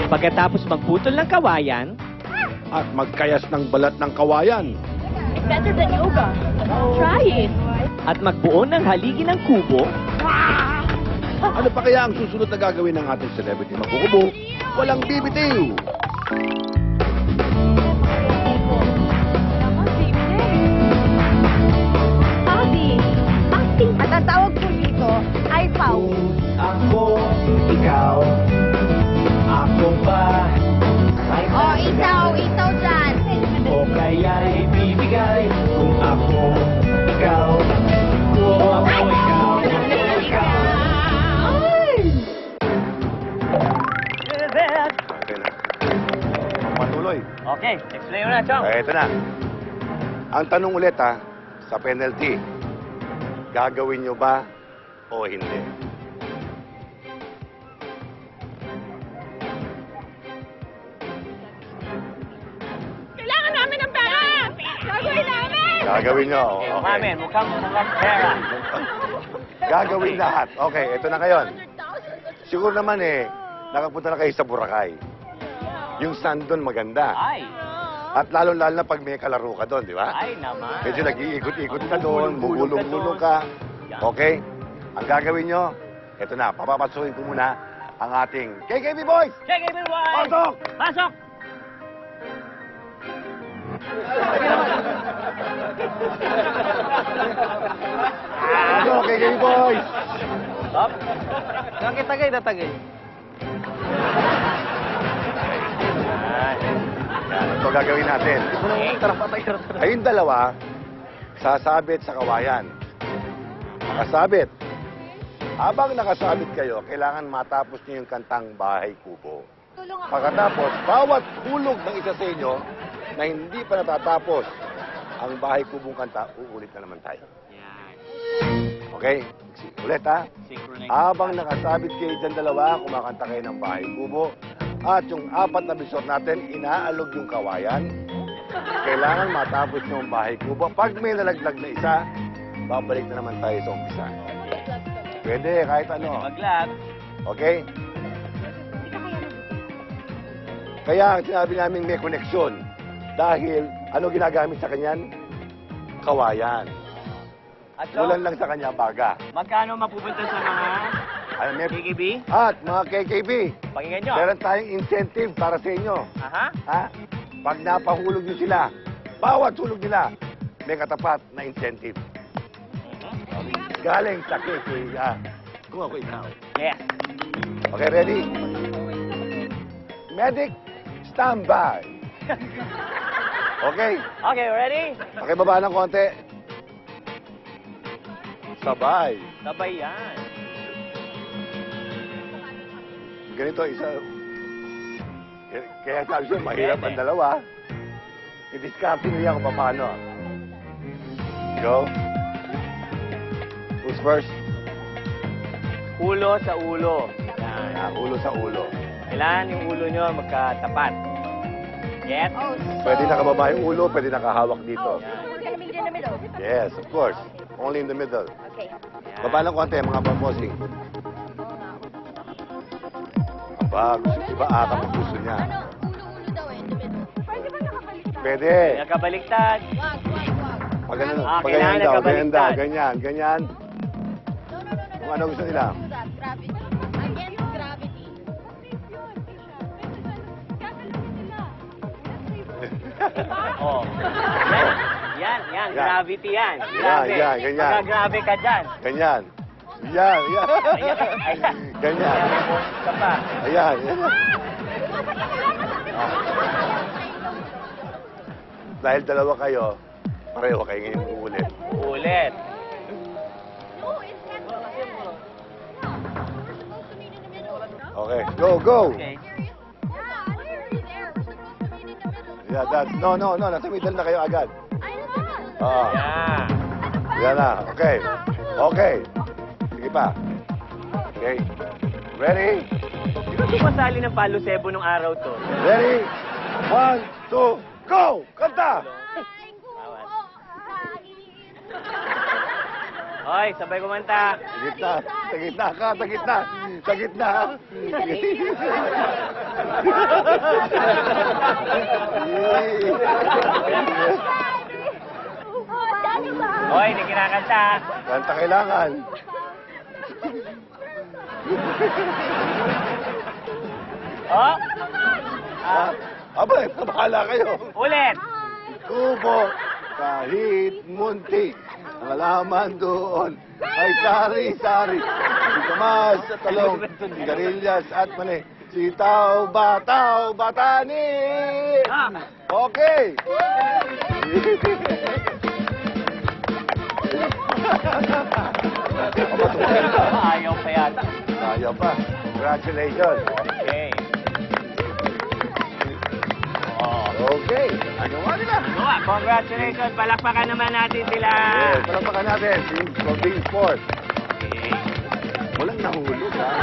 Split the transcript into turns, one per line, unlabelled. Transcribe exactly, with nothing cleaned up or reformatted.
Pagkatapos magputol ng kawayan,
At magkayas ng balat ng kawayan.
Better than yoga. Try it.
at magbuo ng haligi ng kubo,
Ano pa kaya ang susunod na gagawin ng ating celebrity magkukubo? Walang bibitiw!
Howdy. Acting. At ang tawag ko dito ay Pau.
Ako, ikaw, ako ba ay
Oh, itaw, itaw dyan.
o kaya ibibigay kung ako, ikaw, kung ako, ikaw, kung ako, ikaw.
Okay na. Patuloy.
Okay, explain mo na, Chong.
Eh, ito na. Ang tanong ulit ha, sa penalty, gagawin nyo ba o hindi?
Kailangan namin ng pera! Gagawin namin!
Gagawin nyo.
Okay,
Okay.
Mamin, mukhang mukhang pera.
Gagawin lahat. Okay, ito na ngayon. Siguro naman eh, nakapunta na kayo sa Boracay. Yung sand doon maganda.
Ay,
At lalo-lalo na pag may kalaro ka doon, di ba?
ay naman.
Medyo nag-iikot-ikot ka doon, bubulong-bulong ka. Okay? Ang gagawin nyo, ito na, papapasukin ko muna ang ating K K B Boys!
Check it, boy!
Pasok!
Pasok!
Pasok, K K B Boys!
Stop. Bakit tagay na tagay?
Yan, ito gagawin natin. Ayun dalawa, sasabit sa kawayan. Nakasabit. Habang nakasabit kayo, kailangan matapos niyo yung kantang Bahay Kubo. Pagkatapos, bawat hulog ng isa sa inyo na hindi pa natatapos ang Bahay Kubong kanta, uulit na naman tayo.
Yan.
Okay? Ulit ha?
Synchronize.
Habang nakasabit kayo dyan dalawa, kumakanta kayo ng Bahay Kubo. At yung apat na bisor natin, inaalog yung kawayan. Kailangan matapos nyo ang Bahay Kubo. Pag may nalaglag na isa, babalik na naman tayo sa umpisa. Pwede, kahit ano.
Maglag.
Okay? Kaya sinabi namin may koneksyon. Dahil, ano ginagamit sa kanyan? Kawayan.
At so,
Ulan lang sa kanya, baga.
magkano mapupunta sa mga
Ano, may...
K K B?
At mga K K B,
Pakinggan nyo.
meron tayong incentive para sa inyo.
Aha.
Ha? Pag napahulog nyo sila, bawat hulog nila, may katapat na incentive. Galing sa K K B. Ah, kung ako ikaw.
Yes.
Okay, ready? Medic, stand by. Okay?
Okay, ready?
Okay, baba ng konti. Sabay.
Sabay yan.
Ganito, isa... Kaya sabi siya, mahirap ang dalawa. I-discard nyo yan kung paano. Go. Who's first?
Ulo sa ulo. Yan.
Ah, ulo sa ulo.
Kailangan yung ulo nyo magkatapat. Get?
Oh, so...
Pwede nakababa yung ulo, pwede nakahawak dito.
We're gonna meet in the middle.
Yes, of course. Only in the middle.
Okay.
Yan.
Baba ng konti, mga pamposing. Aba, gusto, iba ata ang gusto niya.
Ano? Ulo-ulo daw eh, in the middle. Pwede ba nakabaliktad?
Pwede.
Nakabaliktad.
Wag, wag, wag.
Pag ganun,
Ah,
pag ganyan
kailangan
daw, ganyan daw,
nakabaliktad.
ganyan, ganyan.
No, no, no, no.
Kung ano gusto nila.
Do that. Gravity. Against gravity.
Oh. Yan, yan, yan.
Yan.
Gravity yan.
Yan,
Grabe.
yan, ganyan.
Magagrabe ka dyan.
Ganyan. Yan, yan.
Ayan, ayan.
Ganyan.
Ka pa.
Ayan, yan. Dahil dalawa kayo, pareho kayo ngayon uulit.
Ulit.
No, it's not. Yeah, we're supposed to meet in the middle.
Okay, go, go.
Okay.
Yeah, we're there. We're supposed to meet in the middle.
Yeah, that's, no, no, no, nasa middle na kayo agad.
I know.
Oo.
Yan.
Yan na, okay. Okay. Sige pa. Okay. Ready?
Di ba sumasali ng Palo Sebo nung araw to?
Ready? One, two, go! Kanta!
Hoy, sabay kumanta.
Sa gitna. Sa gitna ka. Sa gitna. Sa gitna.
Oh, Daddy ba?
Hoy, hindi kinakanta.
Kanta kailangan.
Oh,
Ah, abay, bahala kayo.
ulit.
Kubo, kahit munti, ang alaman doon ay sari-sari. Sikamas at talong, sigarilyas at mani. Sitaw, bataw, batani! Okay!
Ayaw pa yata.
Ayaw pa. Congratulations.
Okay. Oh.
Okay. Nagawa nila.
Gawa, congratulations. Palakpakan naman natin sila.
Yes, palakpakan natin. Team for being sport.
Okay.
Walang nahulog, ha?